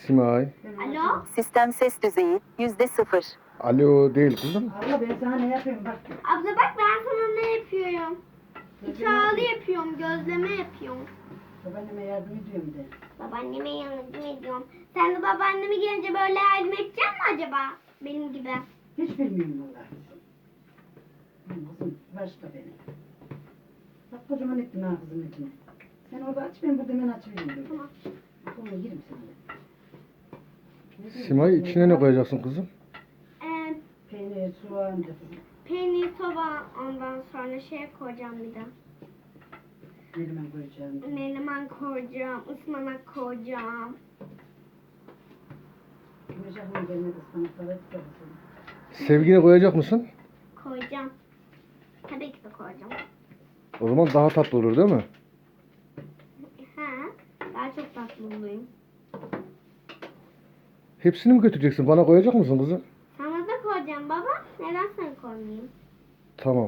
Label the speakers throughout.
Speaker 1: Simay.
Speaker 2: Alo?
Speaker 3: Sistem ses düzeyi %0.
Speaker 1: Alo değil kızım.
Speaker 4: Abla ben sana ne yapayım bak.
Speaker 2: Abla bak ben sana ne yapıyorum? İçalı yapıyorum, gözleme yapıyorum.
Speaker 4: Babaanneme yardım ediyorum de.
Speaker 2: Babaanneme yardım ediyorum. Sen de babaanneme gelince böyle yardım edecek mi acaba? Benim gibi.
Speaker 4: Hiç bilmiyorum vallahi. Benim kızım başka benim. Bak kocaman ettin ha kızım etini. Sen orada aç ben burada hemen açıvereyim.
Speaker 2: Tamam.
Speaker 4: Onu yerim sana.
Speaker 1: Simay içine ne koyacaksın kızım?
Speaker 2: Ee,
Speaker 4: Peynir, soğan da kızım.
Speaker 2: peynir, soba, ondan sonra şey koyacağım bir de.
Speaker 4: Elime koyacağım.
Speaker 2: Menemen koyacağım, ıspanak koyacağım.
Speaker 4: Güneş aklıma gelmedi ıspanaklar et de kızım.
Speaker 1: Sevgine koyacak mısın?
Speaker 2: Koyacağım. Tabii ki de koyacağım.
Speaker 1: O zaman daha tatlı olur değil mi?
Speaker 2: He, daha çok tatlı olayım.
Speaker 1: Hepsini mi götüreceksin? Bana koyacak mısın kızım?
Speaker 2: Sana da koyacağım baba. Neden sana koymayayım?
Speaker 1: Tamam.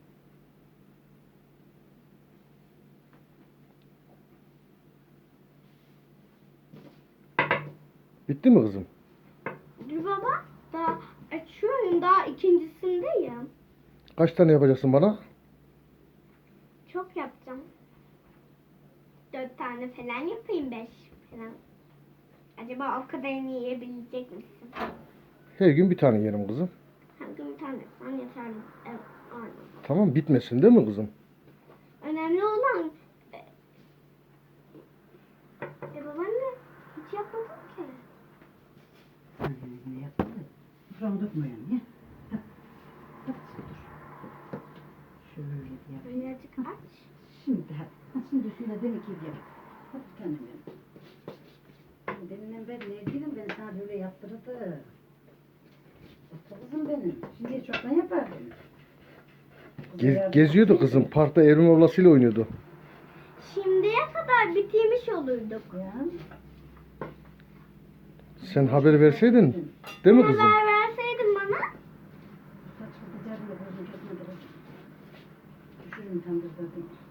Speaker 1: Bitti mi kızım?
Speaker 2: Dur baba. Daha açıyorum. Daha ikincisindeyim.
Speaker 1: Kaç tane yapacaksın bana?
Speaker 2: Çok yapacağım. 4 tane falan yapayım, 5 falan. Acaba o kadarını yiyebilecek misin?
Speaker 1: Her gün bir tane yerim kızım.
Speaker 2: Her gün bir tane yapsam yeterli. Evet, aynen.
Speaker 1: Tamam bitmesin değil mi kızım?
Speaker 2: Önemli olan... babaanne hiç yapmadım ki.
Speaker 4: Ne yaptın da? Şuramı dökme yani. Ya. Hadi. Hadi dur. Şöyle yap.
Speaker 2: Birazcık aç.
Speaker 4: Şimdi hadi. Ha, şimdi üstüne demek ki yap. Hadi canım benim. Deminden beri nevgilim beni sana böyle yaptırdı. Bak kızım benim. Şimdi çoktan yapardım.
Speaker 1: Geziyordu kızım. Parkta Evrim ablasıyla oynuyordu.
Speaker 2: Şimdiye kadar bitirmiş olurduk.
Speaker 4: Ya.
Speaker 1: Sen haber verseydin değil mi kızım?
Speaker 2: Haber verseydin bana.
Speaker 4: Saçma bıcağımla gözüm kesmedi. Düşürürüm tandırda.